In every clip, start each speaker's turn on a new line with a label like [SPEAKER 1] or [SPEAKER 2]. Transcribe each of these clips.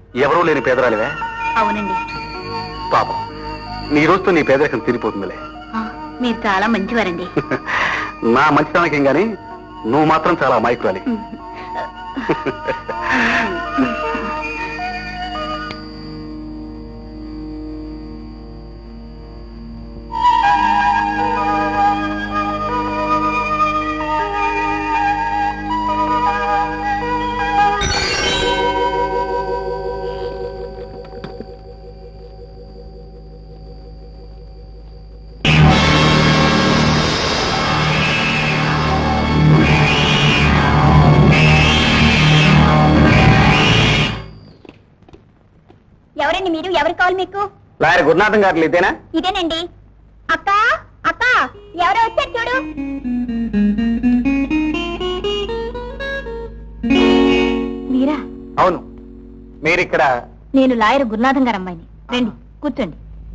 [SPEAKER 1] ఎవరూ లేని పేదరాలివే?
[SPEAKER 2] అవునండి.
[SPEAKER 1] పాపం, నీ రోజుతో నీ పేదరికం తీరిపోతుందిలే.
[SPEAKER 2] మీరు చాలా మంచివారండి.
[SPEAKER 1] నా మంచితనకేం గాని నువ్వు మాత్రం చాలా అమాయకురాలి.
[SPEAKER 2] ఎవరండి మీరు? ఎవరు కావాలి మీకు?
[SPEAKER 1] లాయర్ గురునాథం గారు ఇదేనా?
[SPEAKER 2] ఇదేనండి. అక్క అక్క, ఎవరో వచ్చారు చూడు. మీరా?
[SPEAKER 1] అవును. మీరిక్కడ?
[SPEAKER 2] నేను లాయర్ గురునాథం గారు అమ్మాయిని. రండి కూర్చోండి.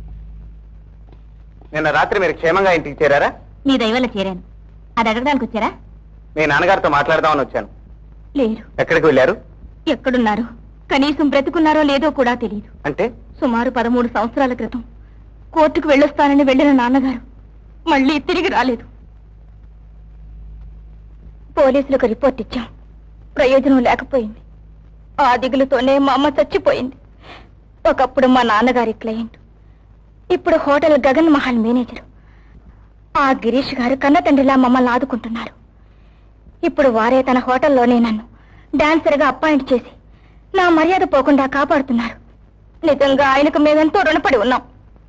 [SPEAKER 1] నిన్న రాత్రి మీరు క్షేమంగా ఇంటికి చేరారా?
[SPEAKER 2] మీ దయవల్ల చేరాను. అది అడగడానికి వచ్చారా?
[SPEAKER 1] మీ నాన్నగారితో మాట్లాడదామని వచ్చాను.
[SPEAKER 2] లేరు.
[SPEAKER 1] ఎక్కడికి వెళ్ళారు?
[SPEAKER 2] ఎక్కడున్నారు? కనీసం బ్రతుకున్నారో లేదో కూడా తెలియదు.
[SPEAKER 1] అంటే?
[SPEAKER 2] సుమారు 13 సంవత్సరాల క్రితం కోర్టుకు వెళ్ళొస్తానని వెళ్లిన నాన్నగారు మళ్ళీ తిరిగి రాలేదు. పోలీసులకు రిపోర్ట్ ఇచ్చాం. ప్రయోజనం లేకపోయింది. ఆ దిగులుతోనే మా అమ్మ చచ్చిపోయింది. ఒకప్పుడు మా నాన్నగారి క్లయింట్, ఇప్పుడు హోటల్ గగన్ మహల్ మేనేజర్. ఆ గిరీష్ గారు కన్న తండ్రిలా మమ్మల్ని ఆదుకుంటున్నారు. ఇప్పుడు వారే తన హోటల్లోనే నన్ను డాన్సర్గా అపాయింట్ చేసి నా మర్యాద పోకుండా కాపాడుతున్నారు. నిజంగా ఆయనకు మేమెంతో రుణపడి ఉన్నాం.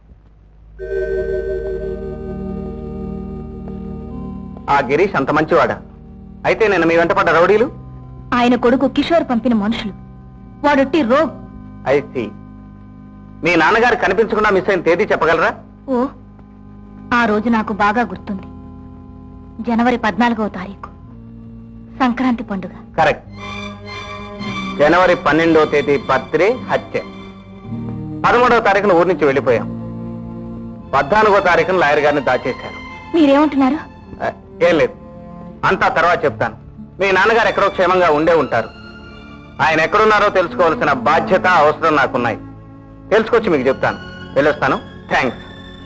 [SPEAKER 1] ఆ గిరీష్ అంత మంచివాడా? అయితే నేను మీ వెంట పడ్డ రౌడీలు?
[SPEAKER 2] ఆయన కొడుకు కిషోర్ పంపిన మనుషులు. వాడొట్టి రోగ్.
[SPEAKER 1] I see. మీ నాన్నగారు కనిపించకుండా మిస్ అయిన తేదీ చెప్పగలరా?
[SPEAKER 2] ఓ, ఆ రోజు నాకు బాగా గుర్తుంది. జనవరి 14వ తారీఖు, సంక్రాంతి పండుగ.
[SPEAKER 1] కరెక్ట్. జనవరి 12వ తేదీ బర్త్డే, హత్య. 13వ తారీఖున ఊరి నుంచి వెళ్ళిపోయాం. 14వ తారీఖున లాయర్ గారిని దాచేశారు.
[SPEAKER 2] మీరేమంటున్నారు?
[SPEAKER 1] ఏం లేదు, అంతా తర్వాత చెప్తాను. మీ నాన్నగారు ఎక్కడో క్షేమంగా ఉండే ఉంటారు. ఆయన ఎక్కడున్నారో తెలుసుకోవాల్సిన బాధ్యత, అవసరం నాకున్నాయి. తెలుసుకొచ్చి మీకు చెప్తాను. వెళ్ళొస్తాను. థ్యాంక్స్.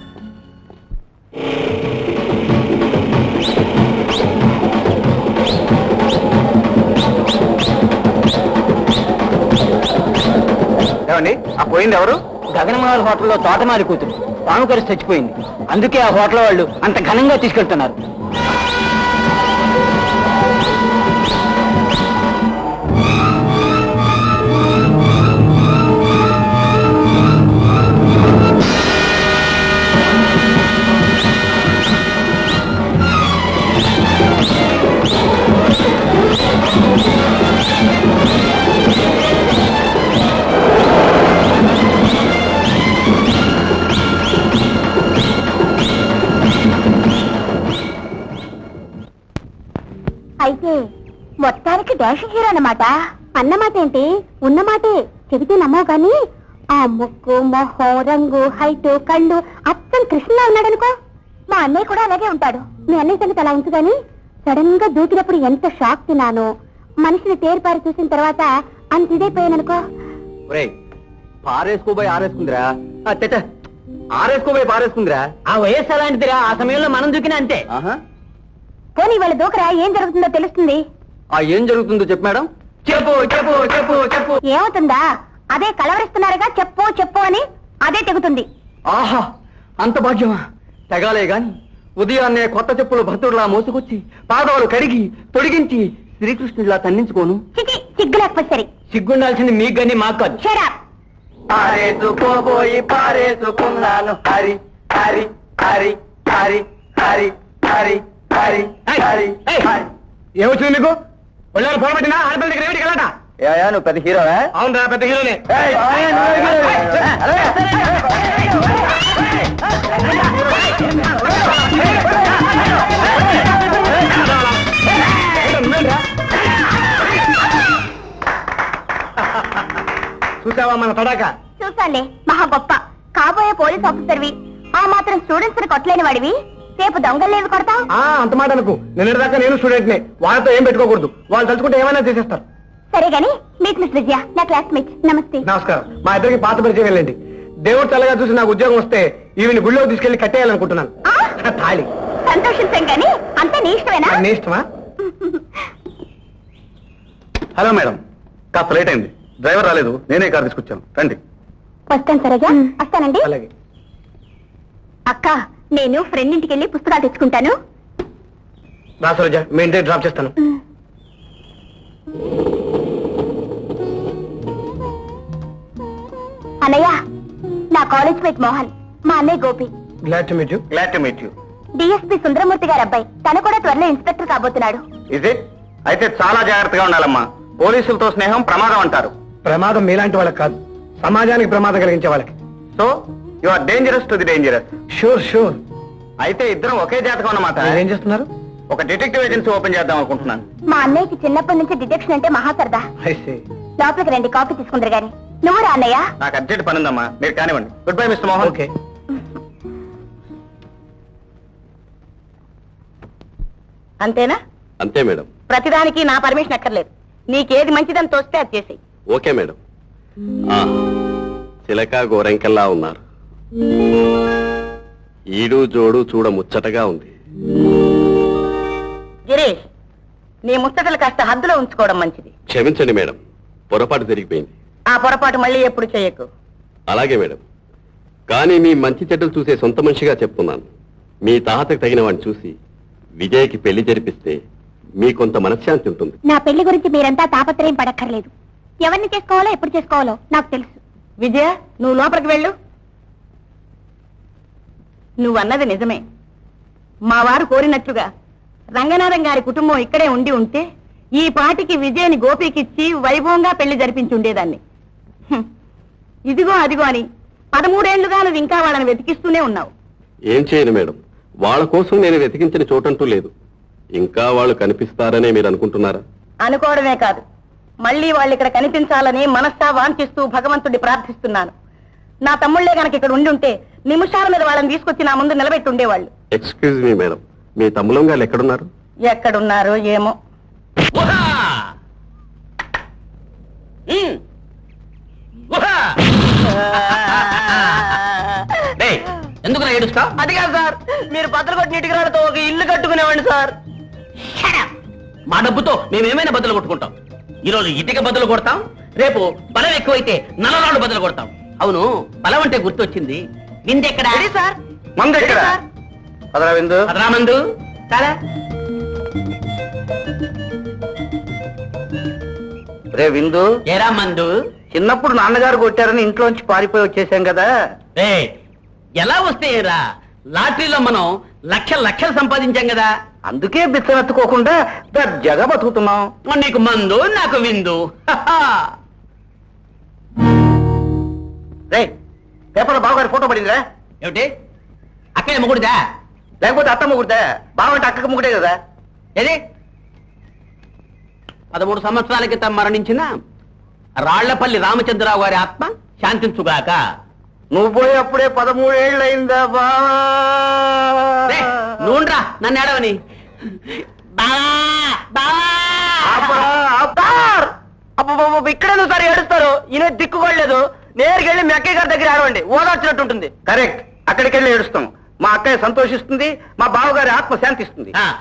[SPEAKER 1] ఏమండి, ఆ పోయింది ఎవరు?
[SPEAKER 3] గగనమహల్ హోటల్లో తోటమాలి కూతురు పాము కరిసి చచ్చిపోయింది. అందుకే ఆ హోటల్ వాళ్ళు అంత ఘనంగా తీసుకెళ్తున్నారు.
[SPEAKER 2] అయితే మొత్తానికి డాషింగ్ హీరో అన్నమాట. అన్నమాట ఏంటి? ఉన్నమాటే చెబితే నమ్మవు కానీ ఆ ముక్కు, మొహం, రంగు, హైట్, కళ్ళు అచ్చం కృష్ణలా ఉన్నాడనుకో. మా అన్నయ్య కూడా అలాగే ఉంటాడు. మీ అన్నయ్య సంగతి అలా ఉంచు గాని సడన్ గా దూకినప్పుడు ఎంత షాక్ తిన్నాను. మనిషిని తేరిపారి చూసిన తర్వాత అంత ఇదైపోయాననుకో.
[SPEAKER 3] పారేసుకోబోయి ఆరేసుకుందిరా, ఆరేసుకోబోయి పారేసుకుందిరా. ఆ వయస్సు అలాంటిదిరా. ఆ సమయంలో మనం దూకినా అంతే.
[SPEAKER 2] పోనీ వాళ్ళ దూకరా, ఏం జరుగుతుందో తెలుస్తుంది.
[SPEAKER 3] ఏం జరుగుతుందో చెప్పు మేడం. చెప్పు చెప్పు చెప్పు చెప్పు.
[SPEAKER 2] ఏమవుతుందా? అదే కలవరిస్తున్నారుగా, చెప్పు చెప్పు అని అదే తెగుతుంది.
[SPEAKER 3] ఆహా, అంత భాగ్యమా? తెగాలే గాని ఉదయాన్నే కొత్త చెప్పులు భక్తుడిలా మోసుకొచ్చి పాదాలు కడిగి తొడిగించి శ్రీకృష్ణుడిలా తన్నించుకోను.
[SPEAKER 2] సిగ్గు లేకపోతే సరే.
[SPEAKER 3] సిగ్గుండాల్సింది మీకు గాని మాకు కాదు.
[SPEAKER 1] పారేసుకోబోయి పారేసుకున్నాను. హరి హరి హరి హరి హరి హరి హరి హరి.
[SPEAKER 3] ఏమొచ్చింది మీకు? ఒళ్ళారు పొరబట్టినా ఆడపిల్ల దగ్గర ఏమిటి కలట?
[SPEAKER 1] నువ్వు పెద్ద హీరోవా?
[SPEAKER 3] అవునరా, పెద్ద హీరోనే. చూసావా మన తడాక?
[SPEAKER 2] చూసాలే, మహా గొప్ప కాబోయే పోలీస్ ఆఫీసర్వి. ఆ మాత్రం స్టూడెంట్స్ ని కొట్టలేని వాడివి రేపు దొంగలేవి కొడతావు.
[SPEAKER 3] అంత మాట అనుకు. నిన్నటిదాకా నేను స్టూడెంట్ నే. వాళ్ళతో ఏం పెట్టుకోకూడదు. వాళ్ళు తలుచుకుంటే ఏమైనా చేసేస్తారు.
[SPEAKER 2] సరే గాని మీట్ మిస్ విజయ, నా క్లాస్మేట్. నమస్తే.
[SPEAKER 3] నమస్కారం. మా ఇద్దరికి పాత పరిచయం వెళ్ళండి. దేవుడు చల్లగా చూసి నాకు ఉద్యోగం వస్తే ఈవిని గుళ్ళో తీసుకెళ్లి కట్టేయాలనుకుంటున్నాను. తాళి.
[SPEAKER 2] సంతోషించాం కానీ అంతా నీ ఇష్టమేనా?
[SPEAKER 3] నీ ఇష్టమా?
[SPEAKER 1] హలో మేడం, కాస్త లేట్ అయింది. డ్రైవర్ రాలేదు, నేనే కార్ తీసుకొచ్చాను. రండి.
[SPEAKER 2] వస్తాను సరేగా. వస్తానండి.
[SPEAKER 3] అలాగే.
[SPEAKER 2] అక్క, నేను ఫ్రెండ్ ఇంటికి వెళ్ళి పుస్తకాలు తెచ్చుకుంటాను.
[SPEAKER 3] రా సరోజ, మీ ఇంటికి డ్రాప్ చేస్తాను.
[SPEAKER 2] అన్నయ్య, నా కాలేజ్ మేట్ మోహన్, మా అన్నయ్య Gopi.
[SPEAKER 3] Glad to meet you.
[SPEAKER 1] Glad to meet you.
[SPEAKER 2] DSP Sundaramurthy గారి అబ్బాయి. తను కూడా త్వరలో ఇన్స్పెక్టర్ కాబోతున్నాడు.
[SPEAKER 1] Is it? అయితే చాలా జాగ్రత్తగా ఉండాలమ్మా. పోలీసులతో స్నేహం ప్రమాదం అంటారు.
[SPEAKER 3] ప్రమాదం మీలాంటి వాళ్ళకి కాదు, సమాజానికి ప్రమాదం కలిగించే వాళ్ళకి.
[SPEAKER 1] So you are dangerous to the dangerous.
[SPEAKER 3] Sure sure.
[SPEAKER 1] అయితే ఇద్దరం ఒకే జాతకం అన్నమాట.
[SPEAKER 3] ఏం చేస్తున్నారు?
[SPEAKER 1] ఒక డిటెక్టివ్ ఏజెన్సీ ఓపెన్ చేద్దాం అనుకుంటున్నాను.
[SPEAKER 2] మా అన్నయ్యకి చిన్నప్పటి నుంచి డిటెక్షన్ అంటే మహా సరదా.
[SPEAKER 3] I see.
[SPEAKER 2] లోపలికి రండి, కాఫీ తీసుకుందరు గాని. నువ్వు రా అన్నయ్య.
[SPEAKER 1] నాకు అర్జెంట్ పని ఉందమ్మా, మీరు కానివ్వండి. Good bye mister Mohan.
[SPEAKER 3] Okay.
[SPEAKER 2] అంతేనా?
[SPEAKER 4] అంతే మేడం.
[SPEAKER 2] ప్రతిదానికి నా పర్మిషన్ అక్కర్లేదు. నీకేది మంచిదని తోస్తే అది చేసి.
[SPEAKER 4] Okay madam. చిలక గోరెంకల్లా ఉన్నారు. ఈడు జోడు చూడ ముచ్చటగా ఉంది.
[SPEAKER 2] గిరీష్, నీ ముచ్చటలు కాస్త హద్దులో ఉంచుకోవడం మంచిది.
[SPEAKER 4] క్షమించండి మేడం, పొరపాటు జరిగిపోయింది.
[SPEAKER 2] ఆ పొరపాటు మళ్ళీ ఎప్పుడు చేయకు.
[SPEAKER 4] అలాగే మేడం. కానీ మీ మంచి చెడ్డలు చూసే సొంత మనిషిగా చెప్తున్నాను. మీ తాతకు తగిన వాడిని చూసి విజయ్కి పెళ్లి జరిపిస్తే మీ కొంత మనశ్శాంతి ఉంటుంది.
[SPEAKER 2] నా పెళ్లి గురించి మీరంతా తాపత్రయం పడక్కర్లేదు. ఎవరిని చేసుకోవాలో ఎప్పుడు చేసుకోవాలో నాకు తెలుసు. విజయ, నువ్వు లోపలికి వెళ్ళు. నువ్వన్నది నిజమే. మా వారు కోరినట్లుగా రంగనాథం గారి కుటుంబం ఇక్కడే ఉండి ఉంటే ఈ పాటికి విజయని గోపికిచ్చి వైభవంగా పెళ్లి జరిపించి ఉండేదాన్ని. ఇదిగో అదిగో అని 13 ఏళ్లుగా నువ్వు ఇంకా వాళ్ళని వెతికిస్తూనే ఉన్నావు.
[SPEAKER 4] ఏం చేయను మేడం, వాళ్ళ కోసం నేను వెతికించిన చోటంటూ లేదు. ఇంకా వాళ్ళు కనిపిస్తారనే మీరు అనుకుంటున్నారా?
[SPEAKER 2] అనుకోవడమే కాదు, మళ్ళీ వాళ్ళు ఇక్కడ కనిపించాలని మనస్సా వాంఛిస్తూ భగవంతుడి ప్రార్థిస్తున్నాను. నా తమ్ముళ్లే గనక ఇక్కడ ఉండి ఉంటే నిమిషాల మీద వాళ్ళని తీసుకొచ్చి నా ముందు నిలబెట్టి ఉండేవాళ్ళు.
[SPEAKER 4] ఎక్స్క్యూజ్ మీ మేడం, మీ తమ్ములం గారు ఎక్కడున్నారు?
[SPEAKER 2] ఎక్కడున్నారో ఏమో.
[SPEAKER 3] ఎందుకు ఏడుస్తా?
[SPEAKER 2] అది కాదు సార్, మీరు బద్దలు కొట్టిన ఇటుకరాలతో ఒక ఇల్లు కట్టుకునేవాడిని సార్.
[SPEAKER 3] మా డబ్బుతో మేమేమైనా బదులు కొట్టుకుంటాం. ఈరోజు ఇటుక బదులు కొడతాం, రేపు బలం ఎక్కువైతే నల్లరాళ్ళు బదులు కొడతాం. అవును, బలం అంటే గుర్తొచ్చింది. విందెక్కడ
[SPEAKER 2] సార్?
[SPEAKER 1] మందు ఎక్కడ? అదరా విందు.
[SPEAKER 3] అదరామందు కాదా?
[SPEAKER 1] రే విందు,
[SPEAKER 3] ఏరా మందు?
[SPEAKER 1] చిన్నప్పుడు నాన్నగారు కొట్టారని ఇంట్లోంచి పారిపోయి వచ్చేసాం కదా.
[SPEAKER 3] ఎలా వస్తేరా? లాటరీలో మనం లక్షలు సంపాదించాం కదా.
[SPEAKER 1] అందుకే బిచ్చమెత్తుకోకుండా దర్జాగా బతుకుతున్నాం.
[SPEAKER 3] నీకు మందు, నాకు విందు.
[SPEAKER 1] రే, పేపర్లో బావగారి ఫోటో పడిందిరా.
[SPEAKER 3] ఏమిటి? అక్కడే మొగుడుదా?
[SPEAKER 1] లేకపోతే అత్త ముగ్గురుదా? బావంటే అక్కకు ముగ్గురే కదా.
[SPEAKER 3] ఏది? 13 సంవత్సరాల క్రితం మరణించిన రాళ్లపల్లి రామచంద్రరావు గారి ఆత్మ శాంతించుగాక.
[SPEAKER 1] నువ్వు పోయి అప్పుడే 13 ఏళ్ళు అయిందా బావా?
[SPEAKER 3] నూనెరా నన్ను ఏడవని.
[SPEAKER 2] ఇక్కడ సరే ఏడుస్తారు. ఈయన దిక్కుకోలేదు. నేరుకి వెళ్ళి మీ అక్కయ్య గారి దగ్గర ఆడవండి, ఓదార్చినట్టుంటుంది.
[SPEAKER 1] కరెక్ట్, అక్కడికి వెళ్ళి ఏడుస్తాం. మా అక్కయ్య సంతోషిస్తుంది, మా బావగారి ఆత్మ శాంతిస్తుంది.